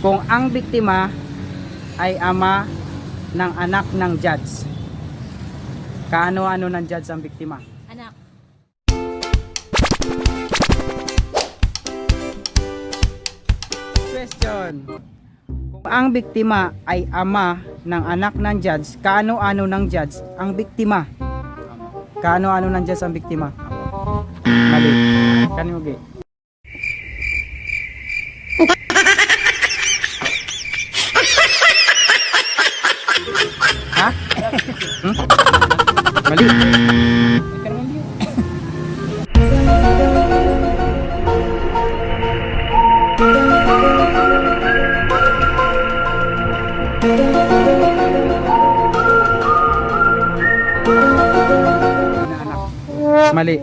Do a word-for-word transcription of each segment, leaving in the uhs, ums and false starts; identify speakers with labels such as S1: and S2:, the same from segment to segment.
S1: Kung ang biktima ay ama ng anak ng judge, kaano-ano ng judge ang biktima?
S2: Anak.
S1: Question. Kung ang biktima ay ama ng anak ng judge, kaano-ano ng judge ang biktima? Kaano-ano ng judge ang biktima? Mali. Kanino gi? Ha? Hmm? Mali. Mali.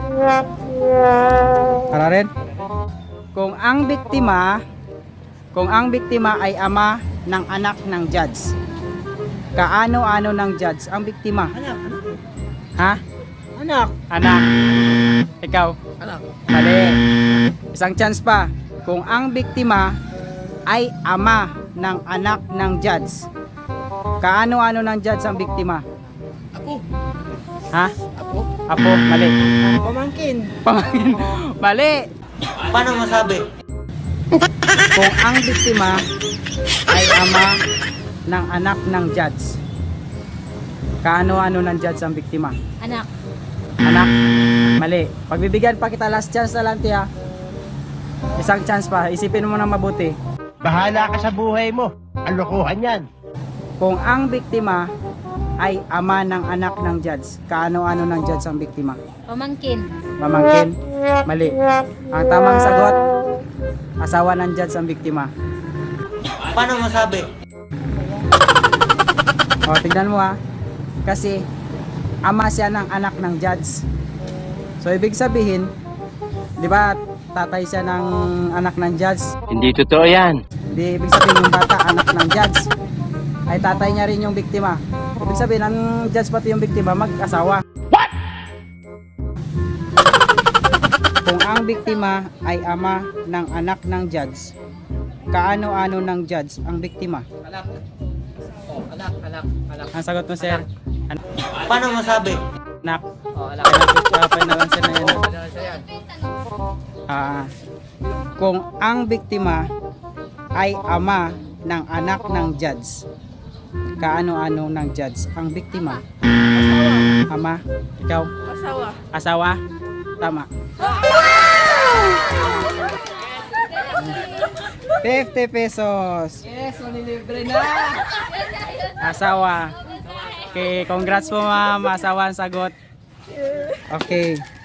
S1: Para rin. Kung ang biktima, kung ang biktima ay ama ng anak ng judge, kaano-ano ng judge ang biktima?
S3: Anak.
S1: Ha?
S3: Anak.
S1: Anak. Ikaw?
S3: Anak.
S1: Mali. Isang chance pa. Kung ang biktima ay ama ng anak ng judge, kaano-ano ng judge ang biktima?
S3: Apo.
S1: Ha?
S3: Apo.
S1: Apo? Mali.
S3: Pamangkin.
S1: Pamangkin. Mali.
S3: Paano masabi?
S1: Kung ang biktima ay ama ng anak ng judge, kaano-ano ng judge ang biktima?
S2: Anak.
S1: Anak? Mali. Pagbibigyan pa kita last chance na lang, tiya. Isang chance pa. Isipin mo na mabuti.
S4: Bahala ka sa buhay mo. Ang lokohan yan.
S1: Kung ang biktima ay ama ng anak ng judge, kaano-ano ng judge ang biktima?
S2: Pamangkin.
S1: Mamangkin? Mali. Ang tamang sagot, asawa ng judge ang biktima.
S3: Paano masabi?
S1: O, tignan mo ha. Kasi, ama siya ng anak ng judge. So, ibig sabihin, di ba, tatay siya ng anak ng judge.
S4: Hindi totoo yan.
S1: Di, ibig sabihin, yung bata, anak ng judge. Ay, tatay niya rin yung biktima. Ibig sabihin, ang judge pati yung biktima, mag-asawa. What? Kung ang biktima ay ama ng anak ng judge, kaano-ano ng judge ang biktima?
S3: Anak. Oh, anak, anak, anak.
S1: Ang sagot mo, sir? Anak.
S3: Paano masabi?
S1: Anak.
S3: Oh, anak.
S1: Final answer na yan. Ah, kung ang biktima ay ama ng anak ng judge, kaano-ano ng judge ang biktima?
S2: Asawa.
S1: Ama? Ikaw?
S2: Asawa.
S1: Asawa? Tama. fifty pesos.
S3: Yes, manilibre na.
S1: Asawa. Okay, congrats po ma'am. Asawa ang sagot. Okay.